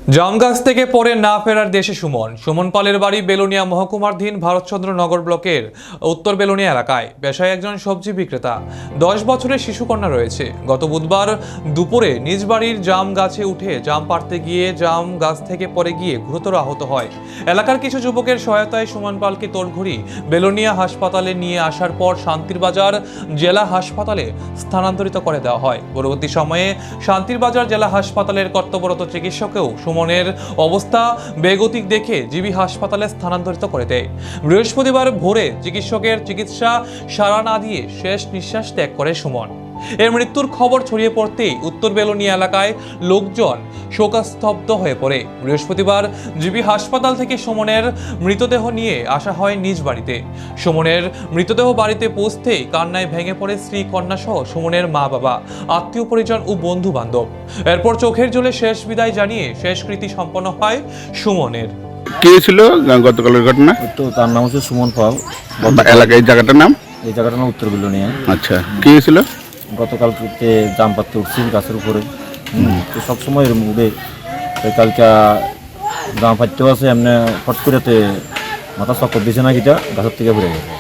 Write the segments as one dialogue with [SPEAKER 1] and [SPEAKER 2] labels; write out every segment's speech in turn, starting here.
[SPEAKER 1] জাম গাছ থেকে পড়ে না ফেরার দেশে সুমন পালের বাড়ি বেলোনিয়া মহকুমাধীন ভারতচন্দ্রনগর ব্লকের উত্তর বেলোনিয়া এলাকায়। পেশায় একজন সবজি বিক্রেতা, 10 বছরের শিশুকন্যা রয়েছে। গত বুধবার দুপুরে নিজ বাড়ির জাম গাছে উঠে জাম পাড়তে গিয়ে জাম গাছ থেকে পড়ে গিয়ে গুরুতর আহত হয়। এলাকার কিছু যুবকের সহায়তায় সুমন পালকে তোড়ঘড়ি বেলোনিয়া হাসপাতালে নিয়ে আসার পর শান্তিরবাজার জেলা হাসপাতালে স্থানান্তরিত করে দেওয়া হয়। পরবর্তী সময়ে শান্তিরবাজার জেলা হাসপাতালের কর্তব্যরত চিকিৎসকেও সুমনের অবস্থা বেগতিক দেখে জিবি হাসপাতালে স্থানান্তরিত করে দেয়। বৃহস্পতিবার ভোরে চিকিৎসকের চিকিৎসা সাড়া না দিয়ে শেষ নিঃশ্বাস ত্যাগ করে সুমন। এর মৃত্যুর খবর ছড়িয়ে পড়তেই উত্তর বেলোনিয়া এলাকায় লোকজন শোকস্তব্ধ হয়ে পড়ে। বৃহস্পতিবার জিবি হাসপাতাল থেকে সুমনের মৃতদেহ নিয়ে আসা হয় নিজ বাড়িতে। সুমনের মৃতদেহ বাড়িতে পৌঁছতেই কান্নায় ভেঙে পড়ে স্ত্রী, কন্যা সহ সুমনের মা বাবা, আত্মীয় পরিজন ও বন্ধু বান্ধব। এরপর চোখের জলে শেষ বিদায় জানিয়ে শেষকৃতি সম্পন্ন হয় সুমনের।
[SPEAKER 2] কে ছিল গতকালের ঘটনা?
[SPEAKER 3] তো তার নাম হচ্ছে সুমন পাল।
[SPEAKER 2] এলাকায় জায়গাটার নাম?
[SPEAKER 3] এই জায়গাটার নাম উত্তর বেলোনিয়া।
[SPEAKER 2] আচ্ছা, কি ছিল?
[SPEAKER 3] গতকালকে জাম পাততে উঠছি গাছের উপরে। তো সবসময় এরকম উঠে কালকে জাম পাততেও আছে এমনি ফট করেতে মাথা চক্কর দিছে না কিটা গাছের থেকে ঘুরে গেছে।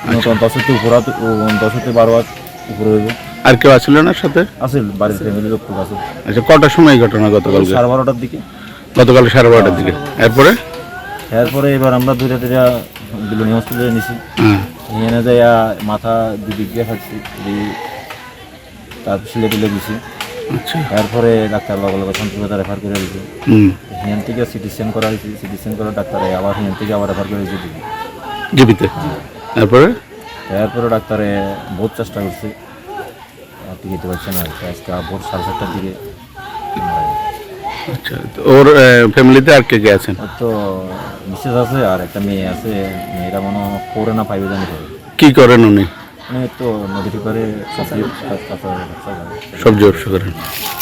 [SPEAKER 3] 10-12 বার উপরে হইব।
[SPEAKER 2] আর কেউ আসছিল না সাথে?
[SPEAKER 3] আছে বাড়ির ফ্যামিলির লোক আছে।
[SPEAKER 2] আচ্ছা, কটার সময় এই ঘটনা? গতকাল
[SPEAKER 3] 12:30টার দিকে।
[SPEAKER 2] গতকাল 12:30টার দিকে। এরপরে
[SPEAKER 3] এবার আমরা ধীরে ধীরে বেলোনিয়া হসপিটালে নিছি। নিয়ে না যাই মাথা দুদিক দিয়ে ফাটছি, তারপর সিলেটে গেছি। এরপরে ডাক্তার লগে শান্তিবাজার রেফার করে দিয়েছে। হিয়ান থেকে সিটি স্ক্যান করা হয়েছে। সিটি স্ক্যান করা ডাক্তারে আবার হিয়ান থেকে আবার রেফার করে দিয়েছে
[SPEAKER 2] জীবিতে।
[SPEAKER 3] এরপরে ডাক্তারে বহুত চেষ্টা করছে, টিকিতে পারছে না। আজকে ভোর 7:30টার দিকে
[SPEAKER 2] আচ্ছা, ওর ফ্যামিলিতে আর কে কে আছেন?
[SPEAKER 3] তো মিসেস আছে আর একটা মেয়ে আছে। মেয়েরা মনে হয় 4 না 5 জানি করে।
[SPEAKER 2] কি করেন উনি?
[SPEAKER 3] মানে তো নদীর পারে সবজি
[SPEAKER 2] সবজি ব্যবসা করেন।